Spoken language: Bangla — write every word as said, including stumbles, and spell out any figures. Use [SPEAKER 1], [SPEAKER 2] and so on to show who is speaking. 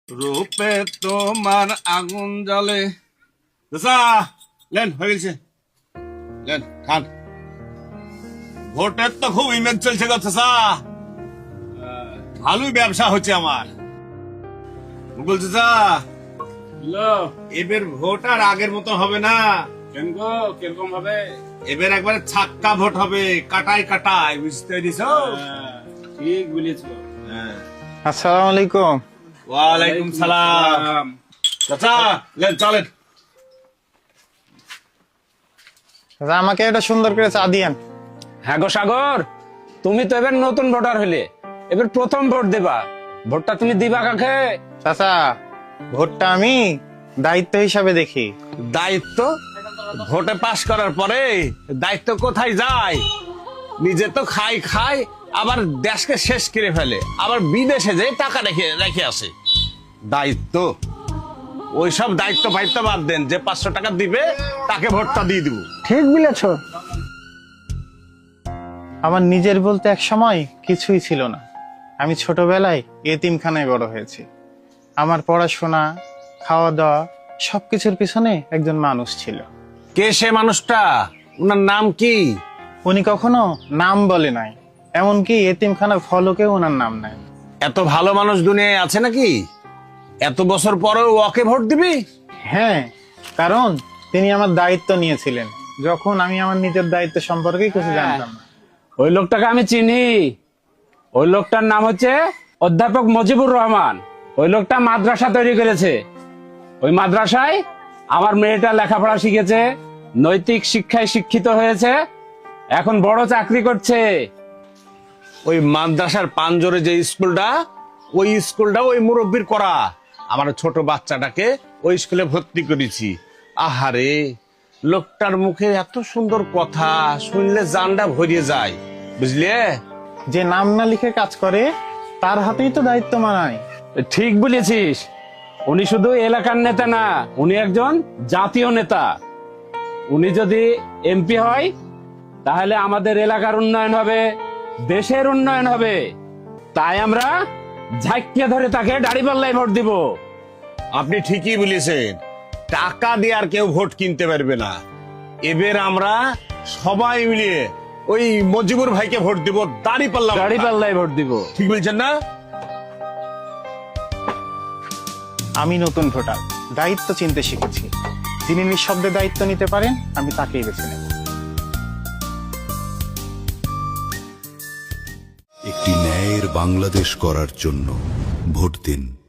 [SPEAKER 1] রূপে তোমার আগুন জ্বলে। লেন হয়ে গেছে, লেন খান। ভোটের তো খুব ইমেজ চলছে গো চাচা, ভালোই ব্যবসা হচ্ছে আমার। মুকুল চাচা, এবার ভোট আর আগের মতো হবে না।
[SPEAKER 2] কেন গো, কিরকম হবে?
[SPEAKER 1] এবার একবারে ছাক্কা ভোট হবে, কাটাই কাটাই, বুঝতে দিছ?
[SPEAKER 2] ঠিক বলেছো।
[SPEAKER 3] আসসালামু আলাইকুম।
[SPEAKER 1] ওয়ালাইকুম সালাম। চাচা লেন চলেন।
[SPEAKER 3] দাদা, আমাকে একটা সুন্দর করে চা দিয়েন।
[SPEAKER 2] হ্যাঁ গো সাগর, তুমি তো এবার নতুন ভোটার হলে, এবার প্রথম ভোট দেবা। ভোটটা তুমি দিবা কাকে?
[SPEAKER 3] চাচা, ভোটটা আমি দায়িত্ব হিসাবে দেখি।
[SPEAKER 1] দায়িত্ব? ভোটে পাশ করার পরে দায়িত্ব কোথায় যায়? নিজে তো খাই খাই, আবার দেশকে শেষ করে ফেলে, আবার বিদেশে যে টাকা রেখে রেখে আসে। দায়িত্ব? ওইসব দায়িত্ব ফাইত্ব বাদ দেন, যে পাঁচশো টাকা দিবে তাকে ভোটটা দিয়ে দিব।
[SPEAKER 3] ঠিক বলেছ। আমার নিজের বলতে এক সময় কিছুই ছিল না। আমি ছোটবেলায় এতিমখানায় বড় হয়েছি। আমার পড়াশোনা, খাওয়া দাওয়া সবকিছুর পিছনে একজন মানুষ ছিল।
[SPEAKER 1] কে সে মানুষটা? ওনার নাম কি?
[SPEAKER 3] উনি কখনো নাম বলে নাই, এমনকি এতিমখানার ফলকেও ওনার নাম নাই।
[SPEAKER 1] এত ভালো মানুষ দুনিয়ায় আছে নাকি? এত বছর পরেও ওকে ভোট দিবি?
[SPEAKER 3] হ্যাঁ, কারণ তিনি আমার দায়িত্ব নিয়েছিলেন যখন আমি আমার নিজের দায়িত্ব সম্পর্কে কিছু জানতাম না।
[SPEAKER 2] ওই লোকটাকে আমি চিনি। ওই লোকটার নাম হচ্ছে অধ্যাপক মুজিবুর রহমান। ওই লোকটা মাদ্রাসা তৈরি করেছে। ওই মাদ্রাসায় আমার মেয়েটা লেখাপড়া শিখেছে, নৈতিক শিক্ষায় শিক্ষিত হয়েছে, এখন বড় চাকরি করছে।
[SPEAKER 1] ওই মাদ্রাসার পাঞ্জরে যে স্কুলটা, ওই স্কুলটা ওই মুরব্বীর করা। আমার ছোট বাচ্চাটাকে ওই স্কুলে ভর্তি করেছি। আহারে, লোকটার মুখে এত সুন্দর কথা শুনলে জানটা ভরিয়ে যায়, বুঝলে?
[SPEAKER 3] যে নাম না লিখে কাজ করে তার হাতেই তো দায়িত্ব মানায়।
[SPEAKER 2] ঠিক বলেছিস। উনি শুধু এলাকার নেতা না, উনি একজন জাতীয় নেতা। উনি যদি এমপি হয় তাহলে আমাদের এলাকার উন্নয়ন হবে, দেশের উন্নয়ন হবে। তাই আমরা ঝাঁকিয়ে ধরে তাকে দাঁড়িপাল্লায় ভোট দিব।
[SPEAKER 1] আপনি ঠিকই বলেছেন, টাকা দিয়ে আর কেউ ভোট কিনতে পারবে না। এবার আমরা সবাই মিলিয়ে ওই মজিবুর ভাইকে ভোট দিব, দাড়ি পাল্লা
[SPEAKER 2] দাঁড়িপাল্লায় ভোট দিব।
[SPEAKER 1] ঠিক বলছেন না?
[SPEAKER 3] আমি নতুন ভোটার, দায়িত্ব চিনতে শিখেছি। যিনি নিঃশব্দে দায়িত্ব নিতে পারেন, আমি তাকেই বেছে নেব।
[SPEAKER 4] একটি ন্যায়ের বাংলাদেশ করার জন্য ভোট দিন।